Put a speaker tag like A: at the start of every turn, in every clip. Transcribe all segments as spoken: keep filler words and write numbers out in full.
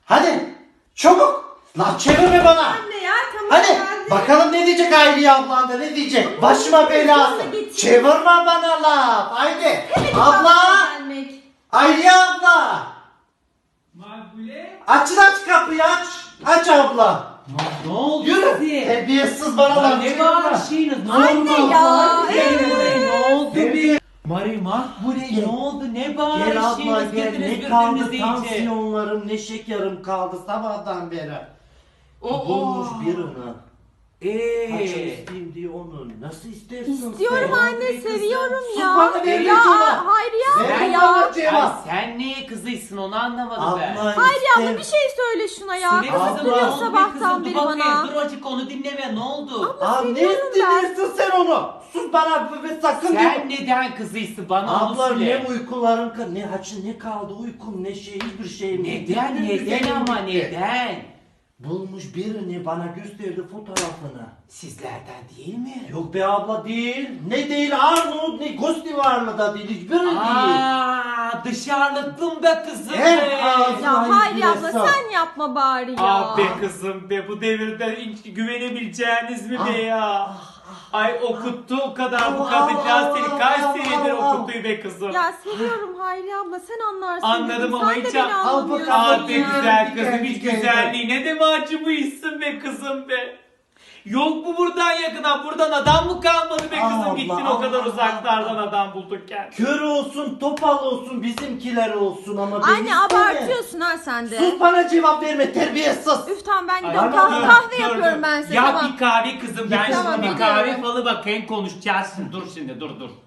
A: Hadi çabuk. Lan çevirme bana.
B: Anne ya tamam
A: Hadi
B: geldi.
A: bakalım ne diyecek Hayriye ablan da ne diyecek? Başıma belası. Çevirme bana laf. Haydi. Abla.
B: Gelmek.
A: Hayriye abla.
C: Makbule.
A: Açın aç kapıyı aç. Aç abla.
C: Ne oldu
A: Yürü.
C: size?
A: Terbiyesiz bana
C: Ya
A: laf
C: ne
A: çevirme.
C: bağırışıyorsunuz? Ne
B: Anne
C: oldu?
B: ya,
C: Allah
B: evet.
C: seni, Ne oldu
A: Gel.
C: bir? Mari Makbule
A: Gel.
C: ne oldu? Ne
A: Gel abla
C: bağırışıyorsunuz?
A: gel.
C: Girdiniz
A: Ne kaldı
C: birbirinize iyice.
A: tansiyonlarım ne şekerim kaldı sabahtan beri.
C: Oo.
A: Bulmuş birini. Kaç
C: Eee.
A: isteyeyim diye onu. Nasıl istersin
B: İstiyorum
A: sen?
B: anne
C: kızım.
B: seviyorum
A: Sus
B: ya.
A: bana, ver
B: Ya
A: cevap.
B: hayır ya.
A: Ver
B: ya.
A: bana
C: Ay
A: cevap.
C: sen neye kızıysın onu anlamadım ben.
A: Abla
B: Hayır abla
A: ister-
B: bir şey söyle şuna ya.
C: Söyle
A: Abla.
C: kızım,
B: Kızım
C: ne
B: duruyor
C: oldu be
B: sabahtan
C: kızım? Dur
B: beri
C: bakayım,
B: bana.
C: dur azıcık onu dinleme ne oldu?
A: Aa, ne
B: seviyorum ben.
A: istediyorsun sen onu? Sus bana ve sakın
C: Sen
A: diye-
C: neden kızıysın bana onu
A: Abla
C: söyle.
A: ne uykuların ka- ne haçın ne kaldı uykum ne şey hiçbir şeyim.
C: Neden
A: Bitti,
C: neden
A: bitti.
C: ama neden?
A: Bulmuş birini bana gösterdi fotoğrafını.
C: Sizlerden değil mi?
A: Yok be abla değil. Ne değil Arnavut ne Gosti var mı da değil hiçbiri değil.
C: Aa, dışarılıklım be kızım
A: Hem
C: be.
A: ağzı-
B: Ya
A: Ay,
B: hayır
A: bir
B: abla
A: hesap.
B: sen yapma bari ya.
C: Ah be kızım be bu devirde hiç güvenebileceğiniz mi be
A: Ah,
C: ya? Ay okuttu o kadar bu
A: Ah,
C: kadıncağız
A: ah,
C: seni kaç
A: ah,
C: senedir
A: ah, ah.
C: okuttu be kızım.
B: Ya seviyorum Hayri abla sen anlarsın.
C: Anladım
B: dedim.
C: ama
B: sen de
C: hiç
B: beni
C: al
B: anlamıyorsun
A: bakalım.
C: Ah be
B: ya.
C: güzel
A: Diken
C: kızım hiç
A: diken.
C: güzelliğine de mi acımışsın be kızım be? Yok mu buradan yakına buradan adam mı kalmadı be kızım
A: Allah,
C: gittin o kadar
A: Allah,
C: uzaklardan
A: Allah.
C: adam buldukken.
A: Kör olsun, topal olsun, bizimkiler olsun ama beni
B: Anne
A: isteme.
B: abartıyorsun ha sen de.
A: Sus bana cevap verme terbiyesiz.
B: Üf tamam ben
C: Ay,
B: gidiyorum
A: tamam,
B: kahve,
A: dur,
B: kahve
C: dur,
B: yapıyorum
C: dur.
B: ben size
C: Yap
B: tamam.
C: bir kahve kızım ben
A: Tamam,
C: şimdi bir
B: gidiyorum.
C: kahve falı bakayım konuşacağız şimdi dur şimdi dur dur.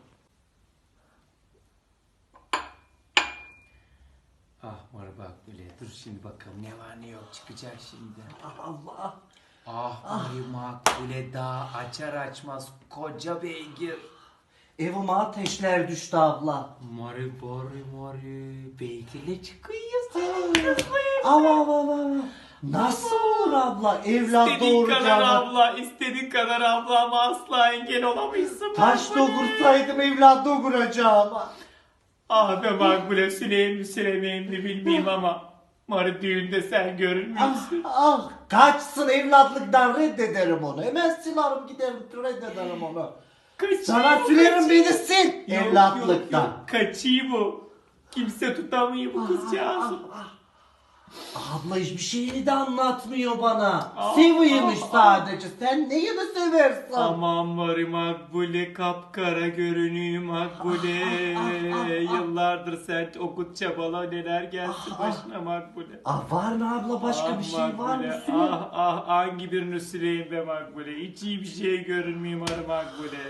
C: Ah var bak böyle dur şimdi bakalım ne var ne yok çıkacak şimdi.
A: Allah.
C: Ah Mari Makbule daha açar açmaz koca beygir.
A: Evime ateşler düştü abla.
C: Mari bari mari beygirle çıkıyorsun.
A: Av av av av. Nasıl olur abla evlat
C: İstediğin kadar
A: doğuracağına?
C: abla, istediğin kadar abla ama asla engel olamayızsın.
A: Taş
C: Makbule.
A: doğursaydım evlat doğuracağıma.
C: Ah be Makbule süleyim mi süleyim mi bilmeyeyim ama Mari düğünde sen görünmüyorsun.
A: Ah, ah, kaçsın evlatlıktan reddederim onu. Hemen silerim giderim reddederim onu.
C: Kaçıyı
A: Sana
C: bu,
A: sülerim
C: kaçıyı.
A: beni sil
C: Yok,
A: evlatlıktan.
C: yok, yok. Kaçıyı bu. Kimse tutamıyor bu kızcağızı.
A: Abla hiçbir şeyini de anlatmıyor bana.
C: Ah,
A: Seviyormuş
C: ah,
A: sadece. Sen neyini seversin?
C: Aman Mari Makbule kapkara görünüyor Makbule. Yıllardır sen okut çabala neler gelsin
A: Ah,
C: başına Makbule.
A: Ah var mı abla başka
C: Ah
A: bir şey var
C: Makbule,
A: mı? Süle.
C: Ah ah hangi birini süreyim be Makbule. Hiç iyi bir şey görünmüyor Mari Makbule.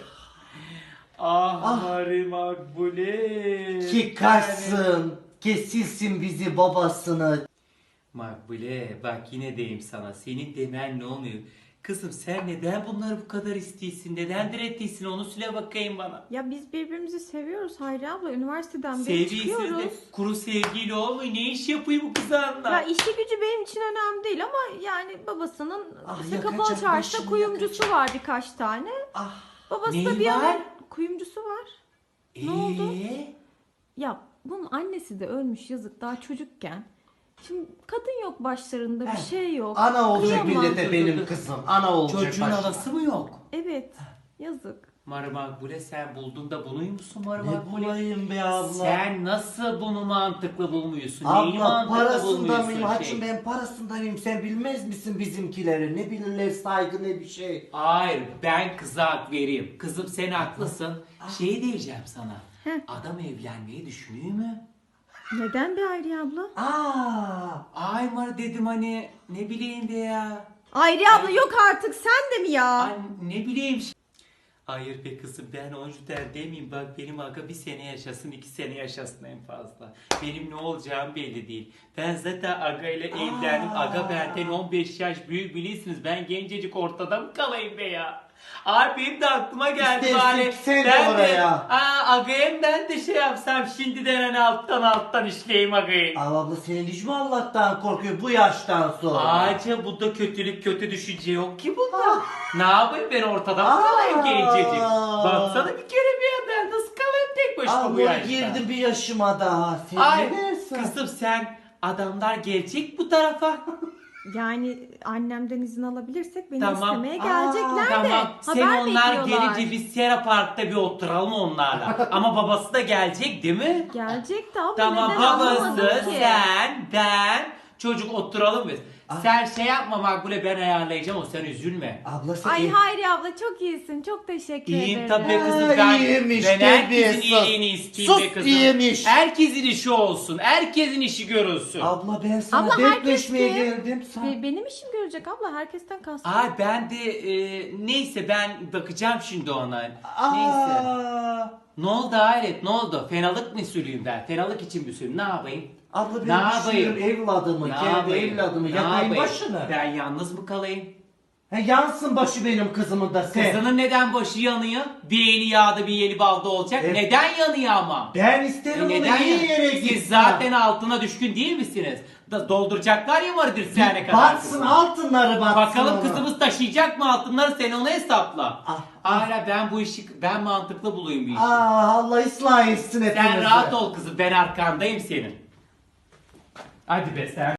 C: Ah,
A: Ah.
C: Mari Makbule.
A: Ki kaçsın, kesilsin bizi babasını.
C: Makbule bak yine deyim sana. Senin demen ne olmuyor? Kızım sen neden bunları bu kadar istiyorsun? Neden direttiysin? Onu söyle bakayım bana.
B: Ya biz birbirimizi seviyoruz Hayri abla üniversiteden beri
C: Sevgisiz
B: çıkıyoruz.
C: de kuru sevgiyle olmuyor. Ne iş yapıyor bu kız anla?
B: Ya işi gücü benim için önemli değil ama yani babasının
A: Ah,
B: işte
A: yakacak,
B: kapalı çarşıda
A: başını
B: kuyumcusu
A: yakacak.
B: var birkaç tane.
A: Ah,
B: Babası
C: Neyi
B: da bir
C: var?
B: ara kuyumcusu var. Ne oldu?
C: Ee?
B: Ya bunun annesi de ölmüş yazık daha çocukken. Şimdi kadın yok başlarında bir şey yok.
A: ana olacak
B: Kıyamam.
A: millete benim kızım. Ana olacak
C: Çocuğun
A: başıma.
C: havası mı yok?
B: Evet yazık.
C: Mari Makbule sen buldun da bunuymuşsun Mari
A: Ne
C: Makbule?
A: bulayım be abla?
C: Sen nasıl bunu mantıklı bulmuyorsun? Neyi
A: Abla
C: mantıklı
A: parasında
C: bulmuyorsun
A: mıyım?
C: şey?
A: Haçım ben parasında mıyım? Sen bilmez misin bizimkileri? Ne bilirler saygı ne bir şey.
C: Hayır ben kıza hak vereyim. Kızım sen haklısın. Şey diyeceğim sana.
B: Heh.
C: Adam evlenmeyi düşünüyor mu?
B: Neden be Hayri abla?
A: Aa,
C: Ay Mari dedim hani ne bileyim be ya.
B: Hayri abla yok artık sen de mi ya?
C: Ay ne bileyim. Hayır be kızım ben oncu der demeyeyim bak benim aga bir sene yaşasın iki sene yaşasın en fazla. Benim ne olacağım belli değil. Ben zaten aga ile evlendim. Aga benden on beş yaş büyük bilirsiniz ben gencecik ortada mı kalayım be ya? Abi benim de aklıma geldi
A: İstersen
C: bari.
A: sen de
C: Ben
A: oraya.
C: Aa, agayım ben de şey yapsam şimdiden hani alttan alttan işleyeyim agayı.
A: Al abla senin hiç mi Allah'tan korkuyor bu yaştan sonra?
C: Ağaca bu da kötülük kötü düşünce yok ki bunda. Ne yapayım ben ortada mı kalayım
A: Aa.
C: gencecik? Baksana bir kere bir ya ben nasıl kalayım tek başıma bu
A: Abla
C: yaşta?
A: girdi bir yaşıma daha. Sen
C: Ay
A: ne dersin?
C: kızım sen adamlar gelecek bu tarafa.
B: Yani annemden izin alabilirsek beni
C: Tamam.
B: istemeye
A: Aa,
B: gelecekler de.
C: Tamam. Sen
B: Haber
C: onlar
B: bekliyorlar.
C: gelince biz Sera Park'ta bir oturalım onlarla. Ama babası da gelecek değil mi?
B: Gelecek de abla
C: Tamam,
B: neden
C: babası,
B: anlamadım ki?
C: sen, ben, çocuk oturalım biz. Sen şey yapma Makbule, ben ayarlayacağım, o sen üzülme.
A: Abla sen
B: Ay
A: iyi-
B: Hayri abla çok iyisin. Çok teşekkür
C: İyiyim
B: ederim.
C: tabii kızım,
A: Ha,
C: ben,
A: iyiymiş,
C: ben
A: tabii,
C: herkesin
A: sus.
C: iyiliğini isteyeyim
A: Sus,
C: be kızım.
A: iyiymiş.
C: Herkesin işi olsun, herkesin işi görülsün.
A: Abla ben sana
B: Abla,
A: dertleşmeye
B: herkes ki-
A: geldim. Sen...
B: Be- benim işim görecek abla. Herkesten kastım.
C: Ay ben de e, neyse ben bakacağım şimdi ona. Neyse.
A: Aa,
C: Ne oldu Hayret, ne oldu? Fenalık mı sürüyüm ben? Fenalık için mi sürüyüm? Ne yapayım?
A: abla
C: Ne
A: ben
C: yapayım?
A: düşünüyorum evladımı,
C: Ne
A: kendi
C: yapayım?
A: evladımı
C: Ne
A: yakayım
C: yapayım?
A: başını.
C: Ben yalnız mı kalayım?
A: He, yansın başı benim kızımın da sen.
C: Kızının neden başı yanıyor? Bir eli yağda bir eli balda olacak.
A: Evet.
C: Neden yanıyor ama?
A: Ben
C: E
A: isterim onu
C: neden
A: iyi
C: yanıyor?
A: yere
C: Siz
A: gitsin.
C: zaten altına düşkün değil misiniz? Da dolduracaklar ya vardır sene kadar.
A: Batsın
C: kızım.
A: altınları batsın
C: Bakalım
A: ona.
C: kızımız taşıyacak mı altınları, sen onu hesapla.
A: Ah.
C: Hala ben bu işi ben mantıklı bulayım bir işi.
A: Aa, Allah ıslah etsin hepimizi.
C: Sen rahat ol kızım, ben arkandayım senin. Hadi be sen.